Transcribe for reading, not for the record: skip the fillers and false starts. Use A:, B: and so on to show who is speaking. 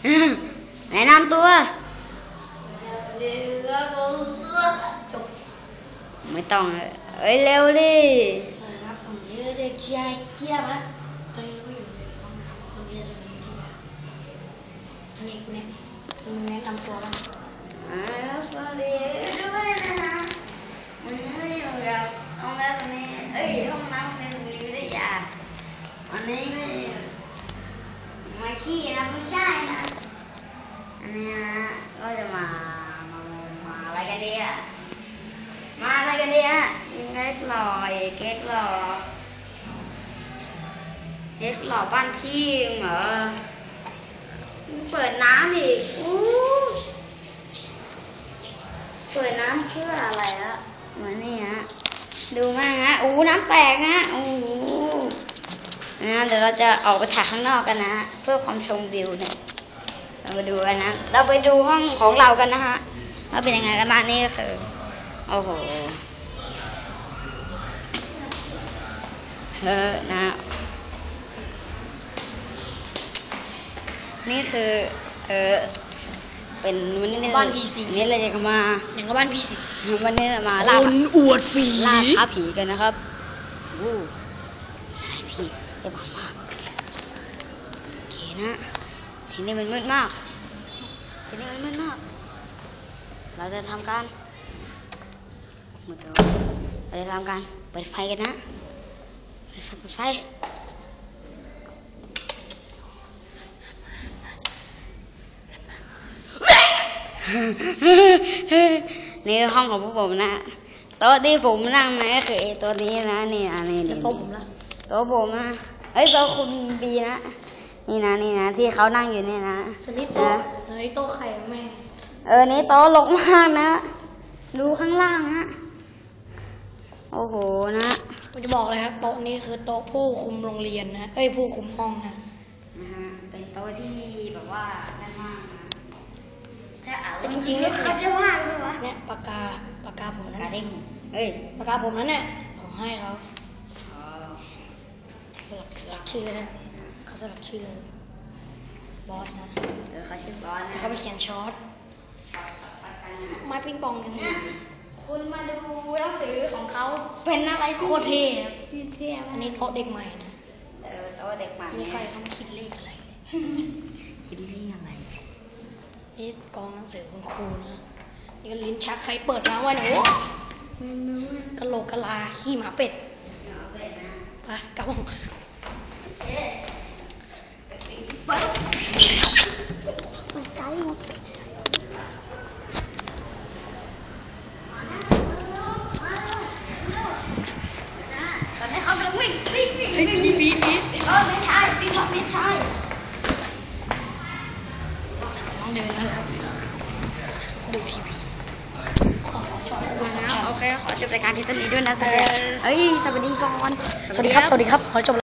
A: แนะนำตัวไม่ต้องเอ้ยเร็วดิ
B: ครับผมชื่อเด็กชายเกียรติครับตอนนี้เราอยู่ในห้องน้ำโรงเรียนสมุทรวิทยานี่คุณแนะนำตัวบ้าง
A: สวัสดีด้วยนะวันนี้อยู่กับห้องน้ำตรงนี้ห้องน้ำในโรงเรียนวิทยาวันนี้ก็มาขี้นะไม่ใช่นะอันนี้ก็จะมาอะไรกันดีอ่ะมาอะไรกันดีอ่ะเก๊กหล่อเก๊กหล่อบ้านพี่เหรอเปิดน้ำดิเปิดน้ำเพื่ออะไรอะเหมือนนี่ฮะดูมากฮะน้ำแตกฮะเดี๋ยวเราจะออกไปถ่ายข้างนอกกันนะเพื่อความชมวิวเนี่ยเราไปดูกันนะเราไปดูห้องของเรากันนะฮะว่าเป็นยังไงกันบ้างนี่ก็คือโอ้โหนะนี่คือเป็นวันนี้
B: บ้านผีสิง
A: นี่เราจะมา
B: อย่างกับบ้านผีสิง
A: วันนี้เรามาล่า
B: อวดฝี
A: ล่าท้าผีกันนะครับที่เอ็มมากโอเคนะทีนี้มันมืดมากเราจะทำการเปิดไฟกันนะเปิดไฟนี่คือห้องของพวกผมนะโต๊ะที่ผมนั่งนะก็คือตัวนี้นะนี่
B: โต๊ะผมละ
A: โต๊ะผมนะโต๊ะคุณบีนะนี่นะที่เขานั่งอยู่นี่นะ
B: ส่วนนี้โต๊ะใครแม่
A: นี่โต๊ะรกมากนะดูข้างล่างนะโอ้โหนะ
B: ผมจะบอกเลยครับโต๊ะนี้คือโต๊ะผู้คุมโรงเรียนนะผู้คุมห้องนะ
A: เป็นโต๊ะที่แบบว่านั่นมากนะ
B: แต่จริงๆแล้ว
A: เขาจะว่างด้วยวะ
B: เนี่ยปากกาผมนะ
A: ปากกา
B: ผมนั้นเนี่ยผมให้เขาสลักชื่อนะเขาสลักชื่อบอสนะ
A: เขาชื่อบอสนะ
B: เขาไปเขียนช็อตไม้ปิงปองกันนะ
A: คุณมาดูหนังสือของเขาเป็นอะไร
B: โคตรเท่อันนี้โต๊ะเด็กใหม่นะ
A: โต๊ะเด็กใหม่
B: นี่ใครเขาคิดเลขอะไรนี่กองหนังสือคุณครูนะนี่ก็ลิ้นชักใครเปิดมาว่าหนูกะโหลกกะลาขี้หมาเป็ดไปกลับห้อง
A: ไกลหมดตอนนี้เขากำลังวิ่ง
B: ไม่ใช่ต้องเดินนะครับดูทีวี
A: โอเคขอจบรายการที่ตอนนี้ด้วยนะสวัสดีก่อน
B: สวัสดีครับขอจบ